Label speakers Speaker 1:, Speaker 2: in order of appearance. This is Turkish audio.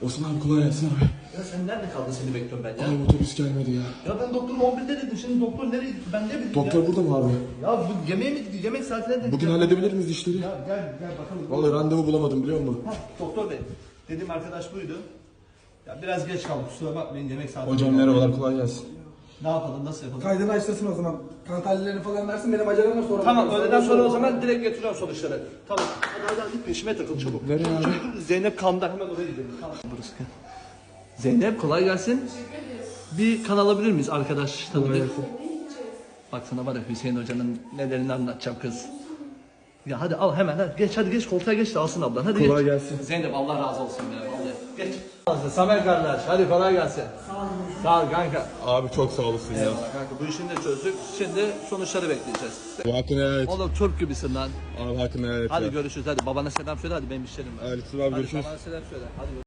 Speaker 1: Osman abi kolay gelsin abi.
Speaker 2: Ya sen nerede kaldın, seni bekliyorum ben ya.
Speaker 1: Abi otobüs gelmedi ya.
Speaker 2: Ya ben doktor 11'de dedim, şimdi doktor nereye gitti ben ne bileyim
Speaker 1: Doktor
Speaker 2: ya.
Speaker 1: burada mı abi?
Speaker 2: Ya bu yemeğe mi gidiyor, yemek saatine denk
Speaker 1: Bugün
Speaker 2: geldi.
Speaker 1: halledebilir miyiz işleri?
Speaker 2: Ya gel bakalım.
Speaker 1: Vallahi randevu bulamadım biliyor musun?
Speaker 2: Heh, doktor bey, dediğim arkadaş buydu. Ya biraz geç kaldık, kusura bakmayın, yemek saati.
Speaker 1: Hocam merhabalar kolay gelsin.
Speaker 2: Ne yapalım, nasıl yapalım?
Speaker 3: Kaydını açtırsın o zaman. Kan tahlillerini falan versin, benim acelem var sonra.
Speaker 2: Tamam, öğleden sonra o zaman direkt getiriyorum sonuçları. Tamam. Hadi git peşime takıl çabuk.
Speaker 1: Nereye abi?
Speaker 2: Zeynep kamda, hemen oraya gidelim. Tamam. Burası. Zeynep kolay gelsin. Bir kan alabilir miyiz arkadaş tanıdık? Bak sana var ya, Hüseyin Hoca'nın nelerini anlatacağım kız. Ya hadi al hemen, hadi geç koltuğa geç de alsın ablan, hadi
Speaker 1: Kolay
Speaker 2: geç.
Speaker 1: gelsin.
Speaker 2: Zeynep Allah razı olsun ya vallahi. Geç. Samer kardeş hadi kolay gelsin. Sağ ol kanka.
Speaker 1: Abi çok sağ olasın ya.
Speaker 2: Eyvallah kanka, bu işini de çözdük. Şimdi sonuçları bekleyeceğiz.
Speaker 1: Hakkını helal et.
Speaker 2: Oğlum Türk gibisin lan.
Speaker 1: Abi hakkını helal et
Speaker 2: Hadi
Speaker 1: ya.
Speaker 2: görüşürüz, hadi babana selam söyle, hadi benim işlerim var.
Speaker 1: Aleyküm abi,
Speaker 2: Hadi
Speaker 1: görüşürüz.
Speaker 2: babana selam söyle. Hadi.